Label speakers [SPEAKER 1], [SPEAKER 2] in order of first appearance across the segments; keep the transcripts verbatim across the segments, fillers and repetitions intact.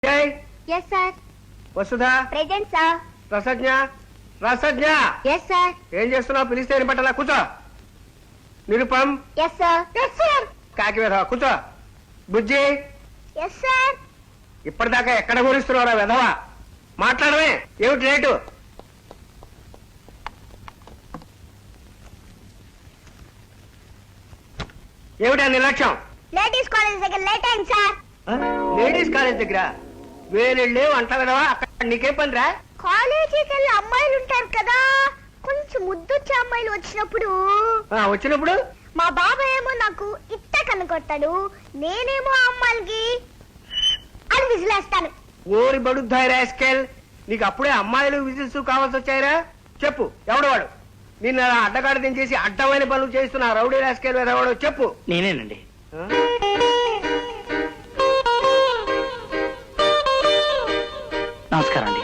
[SPEAKER 1] Yes, sir.
[SPEAKER 2] Vasudha
[SPEAKER 1] Present, sir.
[SPEAKER 2] రసజ్ఞ రసజ్ఞ
[SPEAKER 1] Yes, sir.
[SPEAKER 2] ఏం చేస్తున్నావు? పిలిస్తే ఏం పట్టాలా? కూర్చో. Nirupam
[SPEAKER 1] Yes, sir. Yes, sir.
[SPEAKER 2] కాకి వెధవ కూర్చో. బుజ్జి
[SPEAKER 1] Yes, sir.
[SPEAKER 2] ఇప్పటిదాకా ఎక్కడ గురిస్తున్నావురా వెధవ? మాట్లాడమే. ఏమిటి లేటు? ఏమిటి ఆ నిర్లక్ష్యం?
[SPEAKER 1] Ladies college దగ్గర లేట్ అయింది సార్.
[SPEAKER 2] లేడీస్ కాలేజ్ దగ్గర వేరెళ్ళే అంట వెధవా. అక్కడ నీకేం పనిరా?
[SPEAKER 1] కాలేజీకి వెళ్ళి అమ్మాయిలు ఉంటారు కదా, కొంచెం ముద్దొచ్చే అమ్మాయిలు వచ్చినప్పుడు
[SPEAKER 2] ఆ, వచ్చినప్పుడు
[SPEAKER 1] మా బాబాయ్ ఏమో నాకు ఇట్ట కనుకొట్టాడు, నేనేమో ఆ అమ్మాయిలకి అని విజిలేస్తాను.
[SPEAKER 2] ఓరి బడుద్దాయి రాస్కెల్, నీకు అప్పుడే అమ్మాయిలు విజిల్స్ కావాల్సి వచ్చాయిరా? చెప్పు ఎవడు వాడు? నిన్న అడ్డగాడు దించేసి అడ్డమైన పనులు చేస్తున్నా రౌడీ రాస్కెల్ వెధవాడు చెప్పు.
[SPEAKER 3] నేనేనండి. నమస్కారం అండి.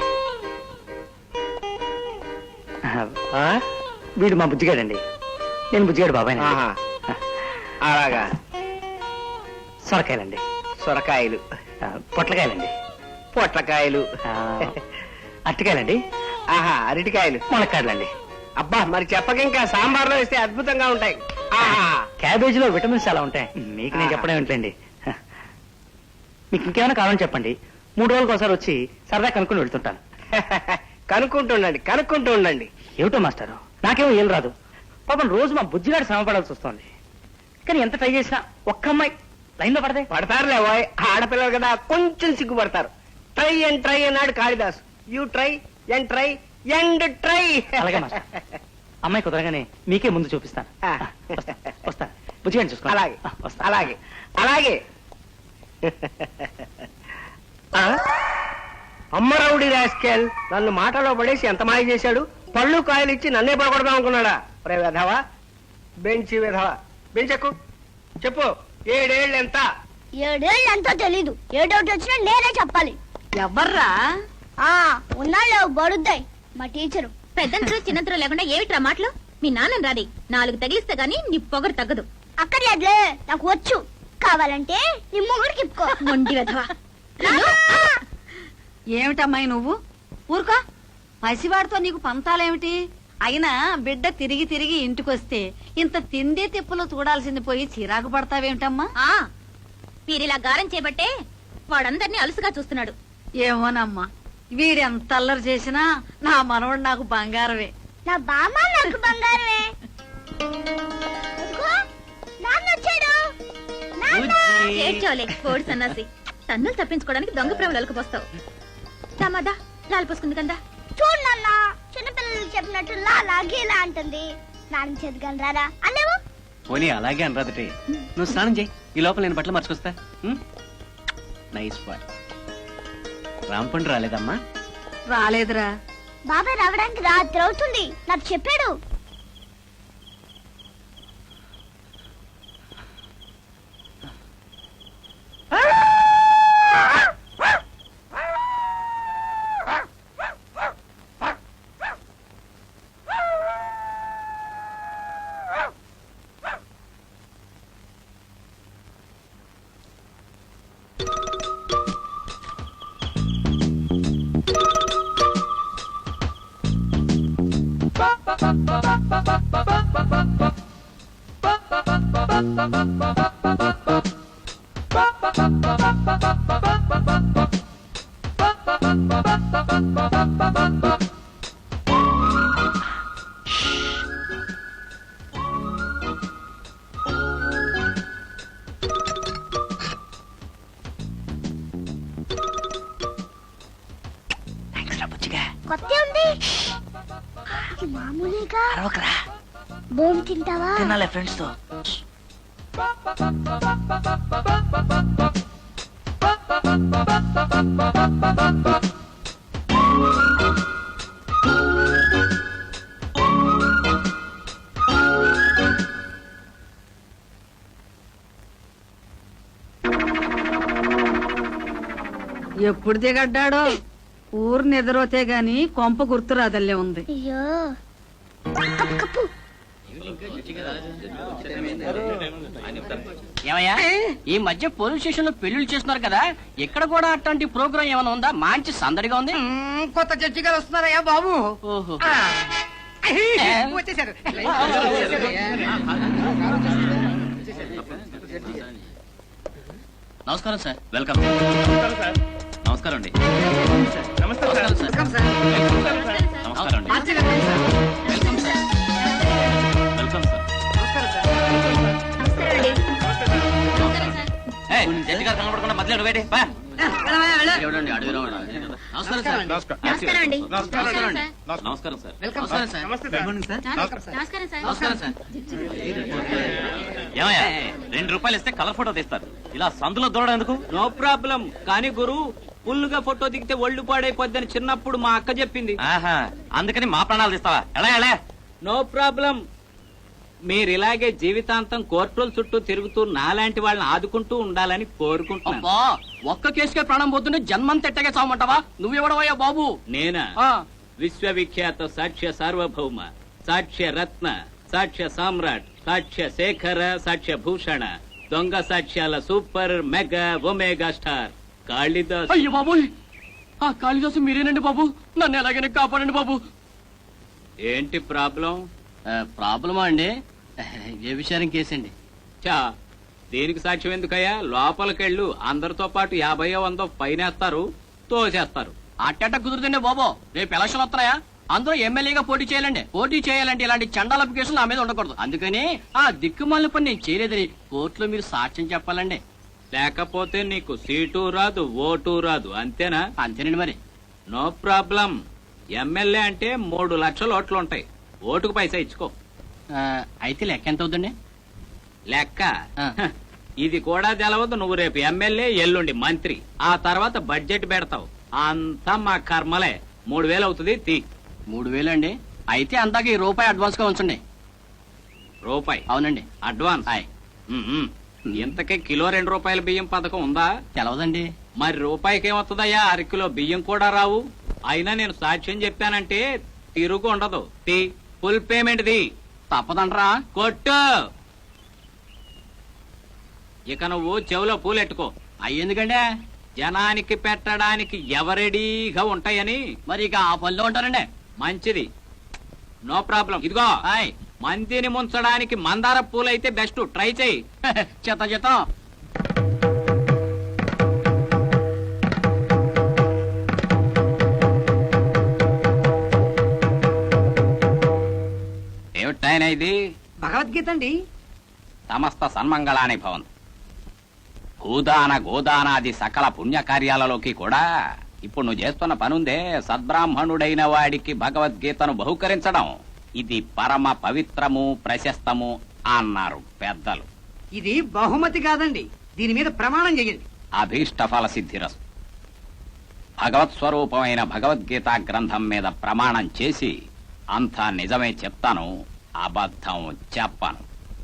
[SPEAKER 2] ఆ?
[SPEAKER 3] వీడు మా బుజ్జిగాడండి. నేను బుజ్జిగాడు బాబాయ్.
[SPEAKER 2] ఆహా. అలాగా.
[SPEAKER 3] సొరకాయలండి.
[SPEAKER 2] సొరకాయలు.
[SPEAKER 3] ఆ, పొట్లకాయలండి.
[SPEAKER 2] పొట్లకాయలు.
[SPEAKER 3] ఆ, అరటికాయలండి.
[SPEAKER 2] ఆహా అరటికాయలు.
[SPEAKER 3] ములక్కాడలండి.
[SPEAKER 2] అబ్బా మరి చెప్పక ఇంకా సాంబార్లో వేస్తే అద్భుతంగా ఉంటాయి. ఆహా.
[SPEAKER 3] క్యాబేజీలో విటమిన్స్ చాలా ఉంటాయి. మీకు నేను
[SPEAKER 2] ఆహా.
[SPEAKER 3] చెప్పడం ఏంటండి. మీకు ఇంకేమైనా కావాలని చెప్పండి. మూడు రోజులకు ఒకసారి వచ్చి సరదా కనుక్కొని వెళ్తుంటాను.
[SPEAKER 2] కనుక్కుంటూ ఉండండి కనుక్కుంటూ ఉండండి.
[SPEAKER 3] ఏమిటో మాస్టారు, నాకేమో ఏం రాదు. పాపం రోజు మా బుజ్జిగాడు శ్రమ పడాల్సి వస్తుంది. కానీ ఎంత ట్రై చేసినా ఒక్క అమ్మాయి లైన్ లో పడదే.
[SPEAKER 2] పడతారులే వాయ్, ఆడపిల్లలు కదా కొంచెం సిగ్గుపడతారు. ట్రై అండ్ ట్రై అన్నాడు Kalidas. You try and try and try.
[SPEAKER 3] అలాగే మాస్టర్. అమ్మాయి కుదరగానే మీకే ముందు చూపిస్తాను.
[SPEAKER 2] ఆ.
[SPEAKER 3] వస్తా వస్తా బుజ్జిగాడిని చూసుకో.
[SPEAKER 2] అలాగే
[SPEAKER 3] వస్తా.
[SPEAKER 2] అలాగే అలాగే. ఆ? అమ్మరౌడి రాస్కెల్ నన్ను మాటలో పడేసి ఎంత మాయ చేశాడు. పళ్ళు కాయలు ఇచ్చి నన్నే పడగొడదాం అనుకున్నాడా? రే వెధవా, బెంచి వెధవా, బెంచెక్కు. చెప్పు ఏడేళ్ళు ఎంత?
[SPEAKER 1] ఏడేళ్ళు ఎంతో తెలీదు. ఏ డౌట్ వచ్చినా నేనే చెప్పాలి.
[SPEAKER 4] ఎవర్రా?
[SPEAKER 1] ఆ ఉన్నాళ్ళు బడుద్దాయి మా టీచరు.
[SPEAKER 4] పెద్దంతరం చిన్నంతరం లేకుండా ఏమిట్రా మాటలు? మీ నాన్న రాది నాలుగు తగిలిస్తే గానీ నీ పొగరు తగ్గదు.
[SPEAKER 1] అక్కర్లేదులే, నాకు వచ్చు. కావాలంటే నీ మొగుడికి ఇప్పుకో.
[SPEAKER 4] మొండి వెధవా.
[SPEAKER 5] ఏమిటమ్మాయి నువ్వు? ఊరుకో. పసివాడితో నీకు పంతాలేమిటి? అయినా బిడ్డ తిరిగి తిరిగి ఇంటికొస్తే ఇంత తిండి తిప్పులు చూడాల్సింది పోయి చిరాకు పడతావేమిటమ్మా?
[SPEAKER 4] ఆ మీరిలా గారం చేపట్టే వాడందరినీ అలుసుగా చూస్తున్నాడు.
[SPEAKER 5] ఏమోనమ్మా, వీడెంత అల్లరి చేసినా నా మనవడు నాకు బంగారమే.
[SPEAKER 1] నా బామ్మ నాకు బంగారమే. అదిగో, నాన్న వచ్చాడు. నాన్న.
[SPEAKER 4] ఏడ్చోలే కోడి సన్నాసి. తన్నులు తప్పించుకోవడానికి దొంగ ప్రేమలు అలుకుపోస్తావు. దామాదా లాలు పోసుకుంది కదా.
[SPEAKER 1] చూడు నాన్న, చిన్నపిల్లలు చెప్పినట్టు లాలా గీలా అంటుంది. స్నానం చేద్దాం రారా అన్నేవు.
[SPEAKER 6] పోనీ అలాగే అనరాదటి. నువ్వు స్నానం చేయి, ఈ లోపల నేను బట్టలు మర్చుకొస్తా. Nice boy. రాంపండు రాలేదమ్మా?
[SPEAKER 5] రాలేదురా.
[SPEAKER 1] బాబాయ్ రావడానికి రాత్రి అవుతుంది నాకు చెప్పాడు. కొత్త ఉంది మామూలుగా. బోమ్ తింటావా?
[SPEAKER 3] తినాలే ఫ్రెండ్స్ తో.
[SPEAKER 5] ఎప్పుడు దిగడ్డాడో. ఊరు నిద్రోతే గాని కొంప గుర్తురాదల్లే ఉంది.
[SPEAKER 1] అయ్యో కప్పు కప్పు.
[SPEAKER 7] ఏమయ్యా ఈ మధ్య పోలీస్ స్టేషన్ లో పెళ్లిళ్ళు చేస్తున్నారు కదా, ఇక్కడ కూడా అట్లాంటి ప్రోగ్రామ్ ఏమైనా ఉందా? మంచి సందడిగా ఉంది.
[SPEAKER 8] కొత్త జడ్జి గారు వస్తున్నారయ్యా బాబు.
[SPEAKER 7] ఓహో
[SPEAKER 8] వచ్చేసారు.
[SPEAKER 6] నమస్కారం సార్. వెల్కమ్. నమస్కారం అండి.
[SPEAKER 8] నమస్కారం సార్.
[SPEAKER 6] నమస్కారం అండి.
[SPEAKER 8] ఆశ్చర్యం sir.
[SPEAKER 7] Welcome sir.
[SPEAKER 6] Welcome sir.
[SPEAKER 8] నమస్కారం సార్.
[SPEAKER 6] ఏయ్, జడ్జి గారు కనబడకుండా మధ్యలో వేడి బా.
[SPEAKER 8] వెళ్ళవయ్యా, వెళ్ళు.
[SPEAKER 7] ఎవడండి అడుగురా వాడు? నమస్కారం సార్.
[SPEAKER 4] నమస్కారం అండి
[SPEAKER 7] నమస్కారం అండి.
[SPEAKER 6] నమస్కారం సార్.
[SPEAKER 8] వెల్కమ్
[SPEAKER 7] నమస్కారం
[SPEAKER 8] సార్.
[SPEAKER 7] సార్.
[SPEAKER 4] నమస్కారం సార్
[SPEAKER 7] నమస్కారం సార్.
[SPEAKER 6] ఏమయ్యా రెండు రూపాయలు ఇస్తే కలర్ ఫోటో తీస్తారు, ఇలా సందులో దూరడం ఎందుకు?
[SPEAKER 2] No problem. కానీ గురు ఫుల్గా ఫోటో దిగితే ఒళ్ళు పాడైపోద్దని చిన్నప్పుడు మా అక్క చెప్పింది.
[SPEAKER 6] ఆహా, అందుకని మా ప్రాణాలు తీస్తావా? ఎలా ఎలా?
[SPEAKER 2] No problem. మీరు ఇలాగే జీవితాంతం కోర్టుల చుట్టూ తిరుగుతూ నాలాంటి వాళ్ళని ఆదుకుంటూ ఉండాలని కోరుకుంటున్నాను.
[SPEAKER 7] అబ్బా, ఒక్క కేసుకే ప్రాణం పోతుంటే జన్మంత ఎట్టగా చావమంటావా? నువ్వెవడవయ్యా బాబు?
[SPEAKER 2] నేనా?
[SPEAKER 7] ఆ,
[SPEAKER 2] విశ్వవిఖ్యాత సాక్ష్య సార్వభౌమ, సాక్ష్య రత్న, సాక్ష్య సామ్రాట్, సాక్ష్య శేఖర, సాక్ష్య భూషణ, దొంగ సాక్ష్యాల super mega omega star Kalidas.
[SPEAKER 7] అయ్యో బాబు, ఆ కాళిదాసు మీరేనండి బాబు. నన్ను ఎలాగైనా కాపాడండి బాబు.
[SPEAKER 2] ఏంటి ప్రాబ్లం?
[SPEAKER 7] ప్రాబ్లమా అండి? ఏ విషయానికి కేసండి?
[SPEAKER 2] చా దీనికి సాక్ష్యం ఎందుకయ్యా? లోపలికెళ్ళు, అందరితో పాటు యాభైయో వందో పైనేస్తారు, తోసేస్తారు.
[SPEAKER 7] అట్టట కుదురుతుండే బాబు. రేపు ఎలక్షన్ వస్తున్నాయా? అందరూ ఎమ్మెల్యేగా పోటీ చేయాలండి. పోటీ చేయాలంటే ఇలాంటి చండాలపు కేసులు నా మీద ఉండకూడదు. అందుకని ఆ దిక్కుమాలిన పని నేను చేయలేదని కోర్టులో మీరు సాక్ష్యం చెప్పాలండి.
[SPEAKER 2] లేకపోతే నీకు సీటు రాదు, ఓటు రాదు, అంతేనా?
[SPEAKER 7] అంతేనండి మరి.
[SPEAKER 2] No problem. ఎమ్మెల్యే అంటే మూడు లక్షల ఓట్లు ఉంటాయి, ఓటుకు పైసా ఇచ్చుకో.
[SPEAKER 7] ఆ, అయితే లెక్క ఎంత అవుతుందండి?
[SPEAKER 2] లెక్క
[SPEAKER 7] ఆ.
[SPEAKER 2] హ, ఇది కూడా తెలవదు. నువ్వు రేపు ఎమ్మెల్యే, ఎల్లుండి మంత్రి, ఆ తర్వాత బడ్జెట్ పెడతావు. అంతా మా కర్మలే. మూడు వేలు అవుతుంది, తీ.
[SPEAKER 7] మూడు వేలు అండి. అయితే అందాక ఈ రూపాయి అడ్వాన్స్ గా ఉంచండి.
[SPEAKER 2] రూపాయి
[SPEAKER 7] అవునండి.
[SPEAKER 2] అడ్వాన్స్.
[SPEAKER 7] ఆయ్.
[SPEAKER 2] ఉమ్మ్. ఇంతకే కిలో రెండు రూపాయల బియ్యం పథకం ఉందా?
[SPEAKER 7] తెలవదండి.
[SPEAKER 2] మరి రూపాయికి ఏమొస్తుందయ్యా? అరకిలో బియ్యం కూడా రావు. అయినా నేను సాక్ష్యం చెప్పానంటే తిరుగు ఉండదు. తీ, ఫుల్ పేమెంట్ ది.
[SPEAKER 7] తప్పదంటరా?
[SPEAKER 2] కొట్టు. ఇక నువ్వు చెవిలో పూలెట్టుకో.
[SPEAKER 7] అయ్యేందుకంటే
[SPEAKER 2] జనానికి పెట్టడానికి ఎవరెడీగా ఉంటాయని.
[SPEAKER 7] మరి ఇక ఆ పనిలో ఉంటారండి.
[SPEAKER 2] మంచిది, నో ప్రాబ్లం. ఇదిగో,
[SPEAKER 7] ఆయ్.
[SPEAKER 2] మందిని ముంచడానికి మందార పూలైతే బెస్ట్, ట్రై చేయి.
[SPEAKER 7] చెత్త చెత్తం.
[SPEAKER 2] ఏమిటాయన ఇది?
[SPEAKER 8] భగవద్గీత అండి.
[SPEAKER 2] సమస్త సన్మంగళాని భవంతు. భూదాన గోదానాది సకల పుణ్యకార్యాలలోకి కూడా ఇప్పుడు నువ్వు చేస్తున్న పనుందే, సద్బ్రాహ్మణుడైన వాడికి భగవద్గీతను బహుకరించడం. ఇది పరమ పవిత్రము, ప్రశస్తము అన్నారు పెద్దలు.
[SPEAKER 8] ఇది బహుమతి కాదండి, దీని మీద ప్రమాణం చేయండి.
[SPEAKER 2] అభీష్ట ఫల సిద్ధిరస్తు. భగవత్ స్వరూపమైన భగవద్గీత గ్రంథం మీద ప్రమాణం చేసి అంతా నిజమే చెప్తాను, అబద్ధం చెప్పను.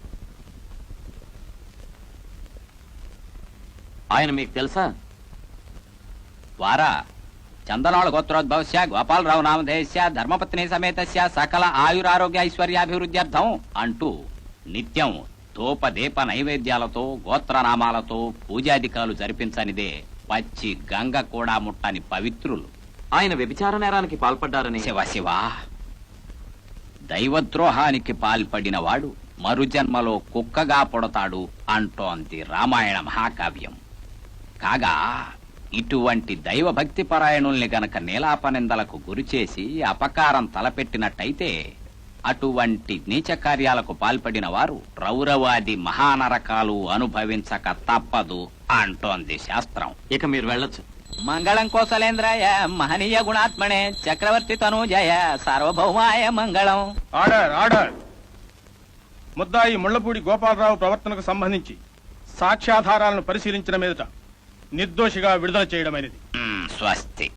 [SPEAKER 2] ఆయన మీకు తెలుసా? వారా చందనాళ గోత్రోద్భవస్య గోపాలరావు నామధేయస్య ధర్మపత్ని సమేతస్య సకల ఆయురారోగ్య ఐశ్వర్యాభివృద్ధ్యర్థం అంటూ నిత్యం ధూపదీప నైవేద్యాలతో గోత్రనామాలతో పూజాధికాలు జరిపించనిదే పచ్చి గంగ కూడా ముట్టని పవిత్రులు.
[SPEAKER 6] ఆయన వ్యభిచార నేరానికి పాల్పడ్డారని.
[SPEAKER 2] శివ శివ, దైవద్రోహానికి పాల్పడిన వాడు మరుజన్మలో కుక్కగా పుడతాడు అంటోంది రామాయణ మహాకావ్యం. కాగా ఇటువంటి దైవభక్తి పరాయణుల్ని గనక నీలాపనిందలకు గురిచేసి అపకారం తలపెట్టినట్టయితే అటువంటి నీచ కార్యాలకు పాల్పడిన వారు రౌరవాది మహానరకాలు అనుభవించక తప్పదు అంటోంది శాస్త్రం.
[SPEAKER 6] ఇక మీరు వెళ్ళొచ్చు.
[SPEAKER 2] మంగళం కోసలేంద్రాయ మహనీయ గుణాత్మనే చక్రవర్తి తనూజయ సార్వభౌమాయ మంగళం.
[SPEAKER 9] Order order. ముద్దాయి ముళ్లపూడి గోపాలరావు ప్రవర్తనకు సంబంధించి సాక్ష్యాధారాలను పరిశీలించిన మీదట నిర్దోషిగా విడుదల చేయడమైనది.
[SPEAKER 2] స్వస్తి.